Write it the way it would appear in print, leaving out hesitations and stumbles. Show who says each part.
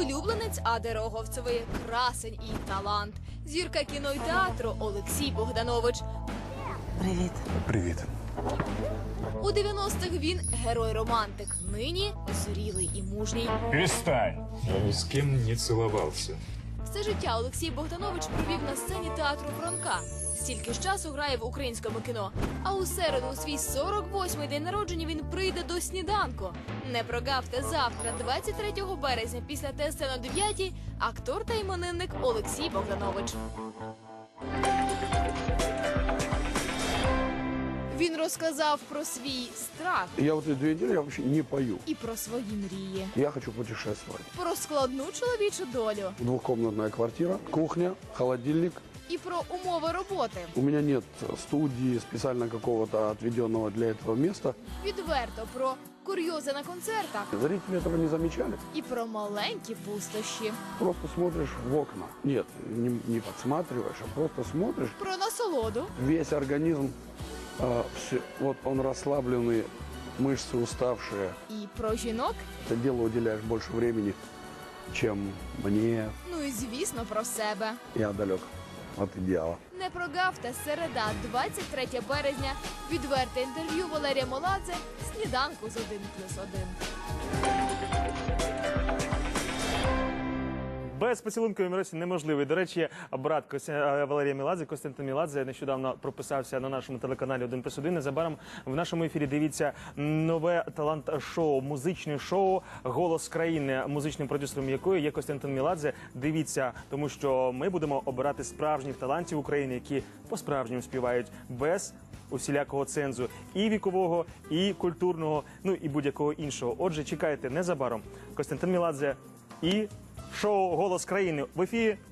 Speaker 1: улюбленець Ади Роговцевої, красень і талант. Зірка кіно й театру Олексій Богданович.
Speaker 2: Привіт.
Speaker 3: Привіт.
Speaker 1: У 90-х він герой-романтик, нині зрілий і мужній.
Speaker 3: Перестань.
Speaker 4: Я ни с кем не целовался.
Speaker 1: Все життя Олексій Богданович провів на сцені театру Франка. Стільки ж часу грає в українському кіно. А у середу, у свій 48-й день народження, він прийде до сніданку. Не прогавте завтра, 23 березня, після ТСН о 9-й, актор та іменинник Олексій Богданович. Він розказав про свій страх
Speaker 5: Я вот эти 2 недели я вообще не пою.
Speaker 1: і про свої мрії,
Speaker 5: Я хочу путешествовать.
Speaker 1: про складну чоловічу долю
Speaker 5: Двухкомнатная квартира, кухня, холодильник.
Speaker 1: і про умови роботи.
Speaker 5: У меня нет студии, специально какого-то отведенного для этого места.
Speaker 1: Відверто про курйози на концертах
Speaker 5: Зрители этого не замечали.
Speaker 1: і про маленькі пустощі,
Speaker 5: Просто смотришь в окна. Нет, не подсматриваешь, а просто смотришь.
Speaker 1: про насолоду
Speaker 5: Весь организм, вот он расслабленный, мышцы уставшие.
Speaker 1: і про жінок,
Speaker 5: Это дело уделяешь больше времени, чем мне.
Speaker 1: ну і звісно про себе.
Speaker 5: Я далек от идеала.
Speaker 1: Не прогавте, середа, 23 березня, відверте інтерв'ю Валерія Меладзе, сніданку з 1+1.
Speaker 6: Без поцілункової Миросі неможливий. До речі, брат Валерія Меладзе, Костянтин Меладзе, нещодавно прописався на нашому телеканалі 1+1. Незабаром в нашому ефірі дивіться нове талант-шоу, музичне шоу «Голос країни», музичним продюсером якої є Костянтин Меладзе. Дивіться, тому що ми будемо обирати справжніх талантів України, які по-справжньому співають без усілякого цензу і вікового, і культурного, ну і будь-якого іншого. Отже, чекайте незабаром. Костянтин Меладзе і шоу «Голос країни» в ефірі